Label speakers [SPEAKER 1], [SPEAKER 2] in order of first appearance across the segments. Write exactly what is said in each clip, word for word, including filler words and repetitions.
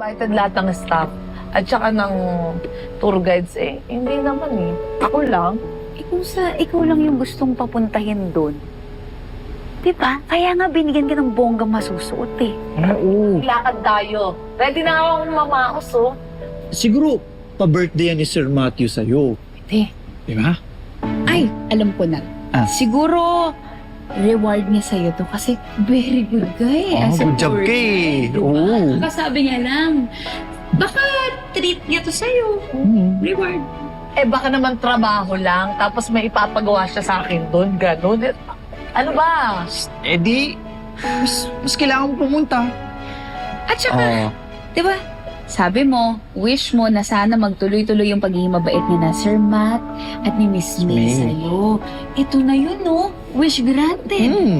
[SPEAKER 1] Invited lahat ng staff at saka ng tour guides eh. Hindi naman eh. Ako lang.
[SPEAKER 2] Eh kung sa ikaw lang yung gustong papuntahin doon, diba? Kaya nga binigyan ka ng bonggang masusuot eh.
[SPEAKER 3] Oo.
[SPEAKER 1] Lakad tayo. Ready na akong mamaos oh.
[SPEAKER 3] Siguro, pa-birthday yan ni Sir Matthew sa'yo.
[SPEAKER 1] Hindi.
[SPEAKER 3] Di ba?
[SPEAKER 4] Ay, alam ko na.
[SPEAKER 3] Ah.
[SPEAKER 4] Siguro, reward niya sa'yo to kasi very good ka eh.
[SPEAKER 3] Oh,
[SPEAKER 4] as a
[SPEAKER 3] good job
[SPEAKER 4] tour
[SPEAKER 3] ka eh.
[SPEAKER 4] guide, diba?
[SPEAKER 3] Oo.
[SPEAKER 4] Kasabi niya lang, baka treat niya to sa'yo.
[SPEAKER 3] Mm.
[SPEAKER 4] Reward.
[SPEAKER 1] Eh baka naman trabaho lang tapos may ipapagawa siya sa akin doon. Ganun. Eh, Ano ba?
[SPEAKER 3] Eh di, mas, mas kailangan mo pumunta.
[SPEAKER 4] At saka,
[SPEAKER 3] Oo.
[SPEAKER 4] diba, sabi mo, wish mo na sana magtuloy-tuloy yung pagiging mabait niya na Sir Matt at ni Miss May
[SPEAKER 3] May.
[SPEAKER 4] sa'yo. Ito na yun, no? Wish granted.
[SPEAKER 3] Mm.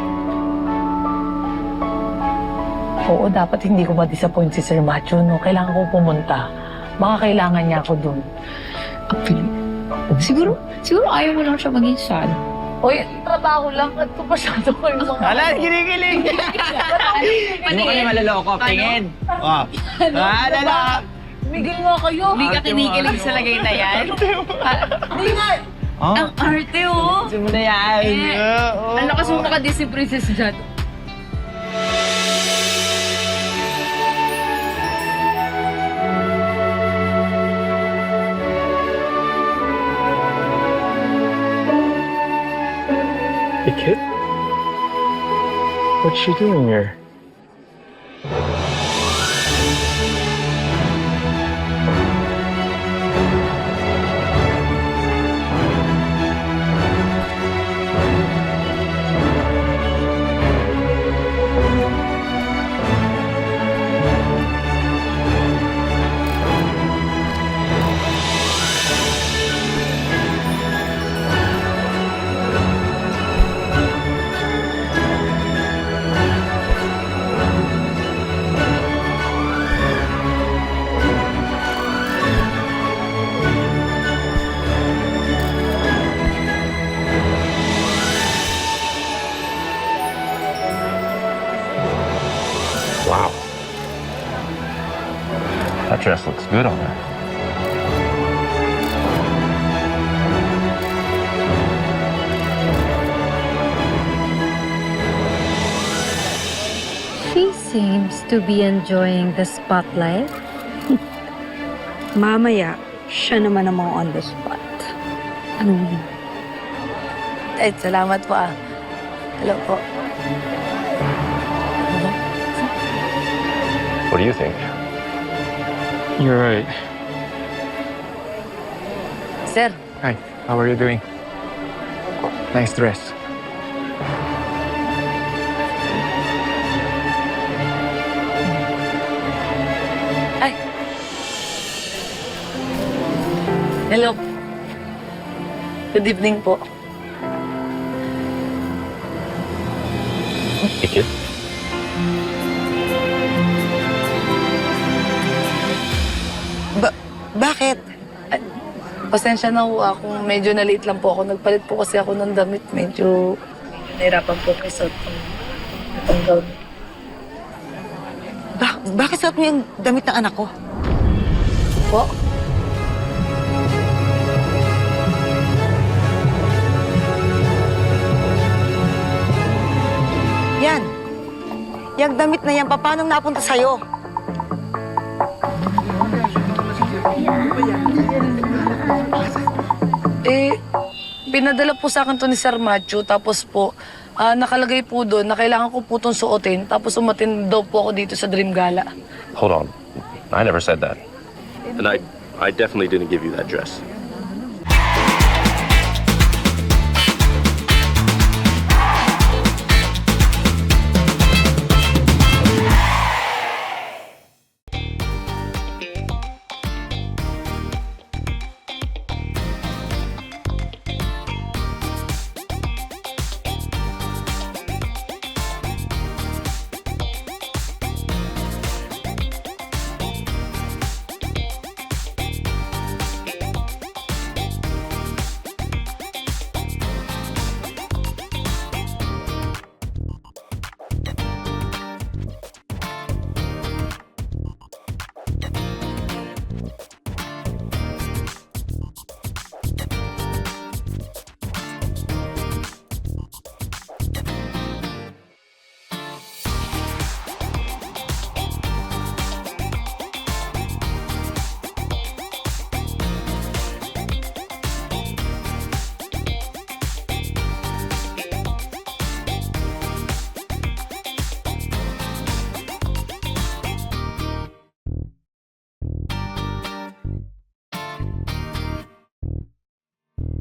[SPEAKER 1] Oo, dapat hindi ko ma-disappoint si Sir Macho, no? Kailangan ko pumunta. Baka kailangan niya ako doon.
[SPEAKER 4] Actually, siguro, siguro ayaw mo lang siya maging sad.
[SPEAKER 1] Uy, trabaho lang. At ito masyado ko yung mga...
[SPEAKER 3] Ala, kinikilig! Hindi mo kayo malaloko. Tingin. Oh. Ah, lala.
[SPEAKER 1] Migil nga kayo.
[SPEAKER 4] Hindi ka
[SPEAKER 3] Ate mo,
[SPEAKER 4] kinikilig
[SPEAKER 3] ano?
[SPEAKER 4] sa lagay na yan.
[SPEAKER 1] Hindi nga.
[SPEAKER 3] Oh.
[SPEAKER 4] Ang arte, oh.
[SPEAKER 3] Gusto mo na yan.
[SPEAKER 4] Eh,
[SPEAKER 3] Oo.
[SPEAKER 4] Ang lakas mo maka-Disney Princess dyan.
[SPEAKER 5] Hey, kid? What's she doing here? Wow. That dress looks good on her.
[SPEAKER 6] She seems to be enjoying the spotlight.
[SPEAKER 7] Mamaya, siya naman namang on the spot. Ano yun?
[SPEAKER 1] Eh, salamat po ah. Hello po.
[SPEAKER 5] What do you think? You're right.
[SPEAKER 1] Sir,
[SPEAKER 5] Hi, how are you doing? Nice dress.
[SPEAKER 1] hello. Good evening po.
[SPEAKER 5] Hey, kid.
[SPEAKER 1] Bakit? Ay, pasensya na ho ako. Medyo naliit lang po ako. Nagpalit po kasi ako ng damit. Medyo nahirapan po ako isuot ng itong gown.
[SPEAKER 7] Ba- bakit suot mo yung damit ng anak ko?
[SPEAKER 1] Po?
[SPEAKER 7] Yan. Yung damit na yan, paano napunta sa'yo?
[SPEAKER 1] Eh, pinadala po sa akin to ni Sir Macho. Tapos po, ah, nakalagay po doon na kailangan ko po itong suotin. Tapos umatin daw po ako dito sa Dream Gala.
[SPEAKER 5] Hold on. I never said that.
[SPEAKER 8] And I, I definitely didn't give you that dress.